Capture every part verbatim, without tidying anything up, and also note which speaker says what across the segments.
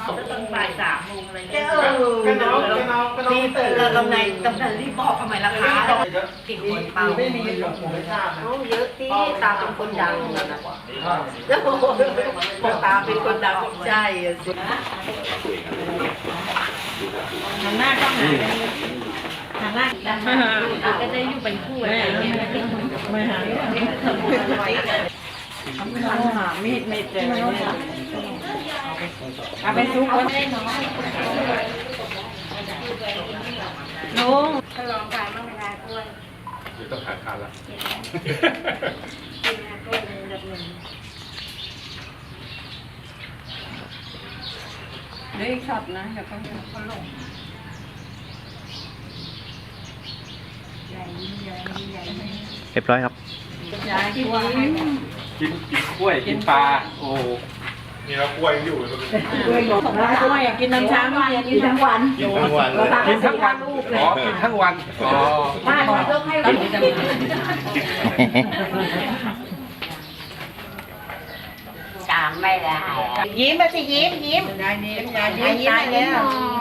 Speaker 1: ตอนบ่ายสามโมงอะไรเงี้ย
Speaker 2: เออก็น้องก็น้องก็น้อง
Speaker 1: รีบ
Speaker 2: ตื่น
Speaker 1: เรากำไรกำไรรีบบอกทำไมล่ะคะกิ่งคนเปล่า
Speaker 2: ไม่มีผมผมไม่ทราบนะ
Speaker 1: เยอะที่ตาเป็นคนดังนะแล้วบอกตาเป็นคนดังใช่สิทางหน้าก็หาทางหน้าดังก็จะอยู่เป็นคู่อะไรอย่างเงี้ยไม่หาไม่หามีดไม่เจอเอาไปซุกไว้ลุงฉลองการมั่งเวลากล้วย
Speaker 3: เดี๋ยวต้องหาทานละ
Speaker 1: กินกล้วยเป็นแบบหนึ่งเดี๋ยวช็อตนะเดี๋ยวเขาเขาลงใหญ่ใหญ่ใหญ่
Speaker 4: เรียบร้อยครับ
Speaker 1: ใหญ่ที่ว่า
Speaker 3: กินกินกล้วยกินปลาโอ้นี่เรากล้วยอยู่เลย
Speaker 1: กล้วยหยกกล้วยกินน้ำช้างกินทั้งวัน
Speaker 3: กินทั้งวันกินทั้งวันอ๋อกินทั้งวันอ๋อ
Speaker 1: บ้านเราต้องให้เรากินจามไม่ได้ยิ้มมาสิยิ้มยิ้มยายนี่ยายยิ้มยายแล้ว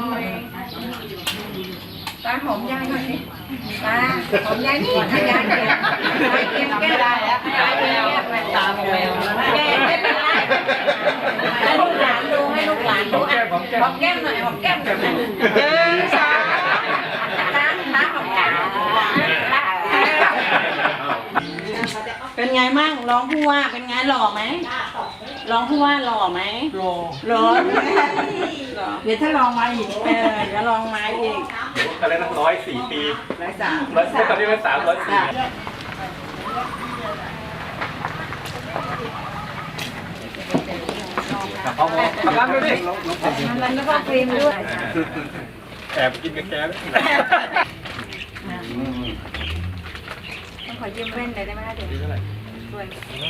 Speaker 1: ตาหอมยายหน่อยตาหอมยายนี่ยายยายเก็บแก้ได้แล้วยายเก็บตาหอมแล้วแก้ไม่เป็นไรให้ลูกหลานดูให้ลูกหลานดูอ่ะหอมแก้มหน่อยหอมแก้มหน่อยเออสาวตาตาหอมแก้มเป็นไงมั่งร้องผู้ว่าเป็นไงหล่อไหมร้องผู้ว่าหล่อไหมหล่อหล่อเดี๋ยวถ้าลองมาอีกเออเดี๋ยวลองมาอีก
Speaker 3: อะไรนะร้อยสี่ปี
Speaker 1: ร้อยสาม
Speaker 3: ร้อยตอนนี้เป็นสามร้อยสี่เอาเอาล้างดูดิ
Speaker 1: มันไม่เข้าครีมด้วย
Speaker 3: แอบกินกับแกเลย
Speaker 1: ต้องขอยืมแว่นเลยได้ไหมคะเดี๋ยวช่วย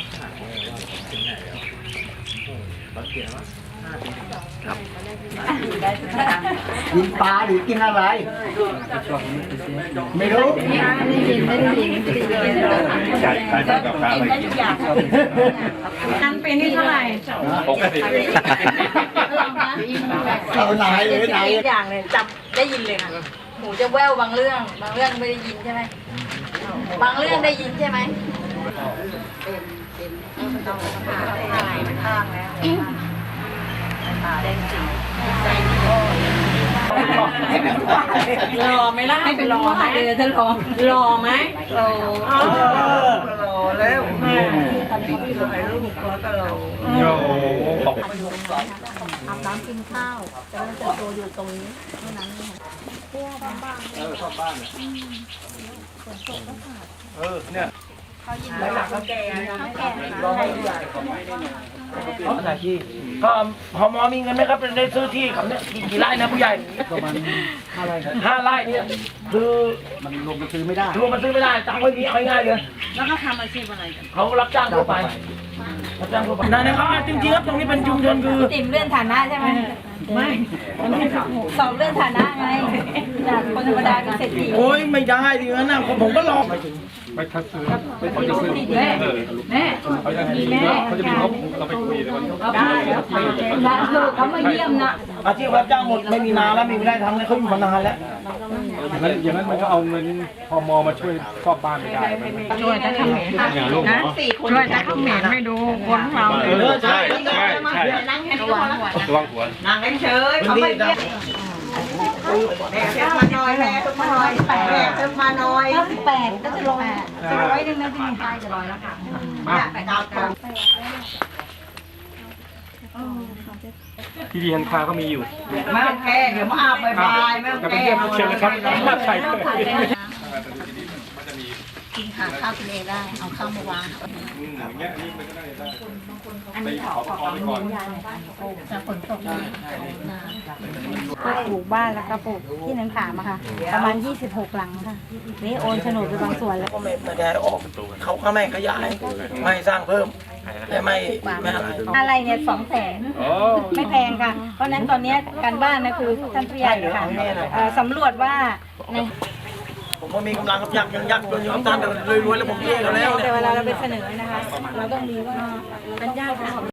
Speaker 2: กินปลาหรือกินอะไร ไม่รู้
Speaker 1: ไม่ได้ยินไม่ได้ยินไม่ได้ยิน
Speaker 3: ใช่ใช่กับปลาอะไร
Speaker 1: ได้ทุกอย่างนั้นเป็นนี่เท่าไหร่
Speaker 3: ปกติ
Speaker 2: เอาไหนเลยไหน
Speaker 1: ทุกอย่างเลยจำได้ยินเลยค่ะหูจะแว่วบางเรื่อง บางเรื่องไม่ได้ยินใช่ไหมบางเรื่องได้ยินใช่ไหมต้องผ่าผ่าข้างแล้วตาแดงจริงรอไหมล่ะให้ไปรอไหมเออถ้ารอรอไหมรอรอแล้วแม่ตอนนี้เขาไปดูให้ลูกก็ก็รอ
Speaker 3: โอ้โหบอก
Speaker 1: อาบน้ำกินข้าวจะได้จะโตอยู่ตรงนี้เท่านั้นเองพวกบ้านๆ
Speaker 3: เออชอบบ้านเออเนี่ยแล้วหลักก็แก่ร้อยใหญ่ของไม่ได้เนี่ย
Speaker 5: เพราะอะไรที่ก็พมมีเงินไหมครับได้ซื้อที่เขาเนี่ยกี่ไร่นะผู้ใหญ่
Speaker 2: ประมาณห้าไร่ครับ
Speaker 5: ห้าไร่เนี่ยคือ
Speaker 2: มันลงมาซื้อไม่ได้
Speaker 5: รวมมันซื้อไม่ได้ตังค์ไม่มีเอาง่ายๆเลย
Speaker 1: แล้วเขาทำอาชีพอะไรกัน
Speaker 5: เขารับจ้างทั่วไปรับจ้างทั่วไปนั่นนะครับจริงๆครับตรงนี้เป็นชุมชนคือ
Speaker 1: ติ่มเลื่อนฐานะใช่ไหมไม่สอบเลื่อนฐานะไงจากคนธรรมดาเป็นเศรษฐี
Speaker 5: โอ้ยไม่ได้ดิงั้นนะผมก็รอ
Speaker 3: ไม่ทัดซื้อเขาจะซื้อ
Speaker 1: แม่แม่
Speaker 3: เขาจะมีเขาจะมีงบเราไปคุยเลยวัน
Speaker 1: ได้แล้วได้ลูกเขามาเยี่ยมนะ
Speaker 5: อาชีพรับจ้างหมดไม่มีนานแล้วไม่ได้ทำเลยเขาอยู่มานานแล้ว
Speaker 3: อย่างนั้นอย่างนั้นมันก็เอาเงินพมมาช่วยครอบบ้านไม่ได้
Speaker 1: ช่วยแต่เขมรนะสี่คนช่วยแต่เขมรไม่ดูคนของเรา
Speaker 3: เออใช่ใช่ใช่
Speaker 1: นั่งแค่ระวังหัว
Speaker 3: ระวังหัว
Speaker 1: นั่งเฉยเขาไม่เยี่ยมแม่เพิ่มมาน้อยแม่เพิ่มมาน้อยแม่เพิ่มมาน้อยเก้าสิบแปดก็จะลงจะร้อยหนึ่งนะที่มีป้ายจะร้อยแล้วค่ะมาแปดดาวตรง
Speaker 3: ที่ดีฮันคาก็มีอยู่
Speaker 1: มาแค่เดี๋ยวมาอาบายบายแม่
Speaker 3: จะไป
Speaker 1: แก้
Speaker 3: เยี่ยมเชิญนะครับมาไทย
Speaker 1: กินหาข้าวกินเองได้เอาข้าวมาวาง
Speaker 3: อย่างเงี้ยอันนี้มันก็ได้ได้
Speaker 1: อัน
Speaker 3: ไป
Speaker 1: นี้
Speaker 3: ขอขอไปก่อน
Speaker 1: จะฝนตกนะ
Speaker 6: ปลูกบ้านแล้วก็ปลูกที่นังขามอะค่ะ ประมาณยี่สิบหกหลังค่ะ นี่โอนโฉนดไปบางส่วนแล้ว
Speaker 5: ก็ไม่ไม่ได้ออกเขาก็ไม่ขยายไม่สร้างเพิ่มแต่ไม่ไม่อะไร
Speaker 6: อะไรเนี่ยสองแสนไม่แพงค่ะ เพราะฉะนั้นตอนนี้การบ้านนะคือท่านผู้ใหญ่ค่ะเอ่อสำรวจว่าใน
Speaker 5: ผมก็มีกำลังกับยักษ์ยังยักษ์จนอยู่กับท่านแต่รวยๆแล้วผมเย่กันแล้ว
Speaker 6: แต่
Speaker 5: เนี่ย
Speaker 6: เวลาเราไปเสนอนะคะ เราต้องมีว่าเป็นญาติของ